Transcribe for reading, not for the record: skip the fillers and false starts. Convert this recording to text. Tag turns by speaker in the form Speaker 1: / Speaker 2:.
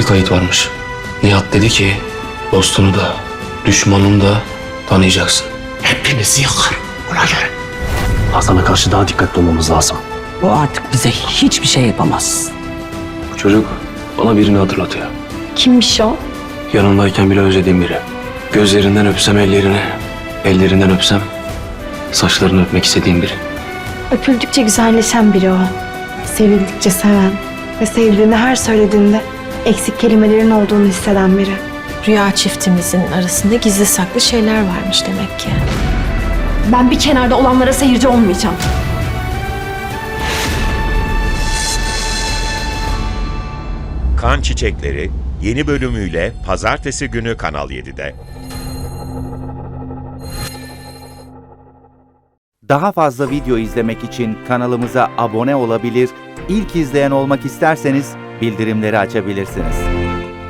Speaker 1: bir kayıt varmış. Nihat dedi ki dostunu da düşmanını da tanıyacaksın.
Speaker 2: Hepinizi yakar. Ona göre.
Speaker 1: Hasan'a karşı daha dikkatli olmamız lazım.
Speaker 3: O artık bize hiçbir şey yapamaz.
Speaker 1: Bu çocuk bana birini hatırlatıyor.
Speaker 4: Kimmiş o?
Speaker 1: Yanındayken bile özlediğim biri. Gözlerinden öpsem ellerini, ellerinden öpsem saçlarını öpmek istediğim biri.
Speaker 4: Öpüldükçe güzelleşen biri o. Sevildikçe seven ve sevdiğini her söylediğinde eksik kelimelerin olduğunu hisseden biri.
Speaker 5: Rüya çiftimizin arasında gizli saklı şeyler varmış demek ki.
Speaker 4: Ben bir kenarda olanlara seyirci olmayacağım.
Speaker 6: Kan Çiçekleri yeni bölümüyle Pazartesi günü Kanal 7'de.
Speaker 7: Daha fazla video izlemek için kanalımıza abone olabilir, ilk izleyen olmak isterseniz bildirimleri açabilirsiniz.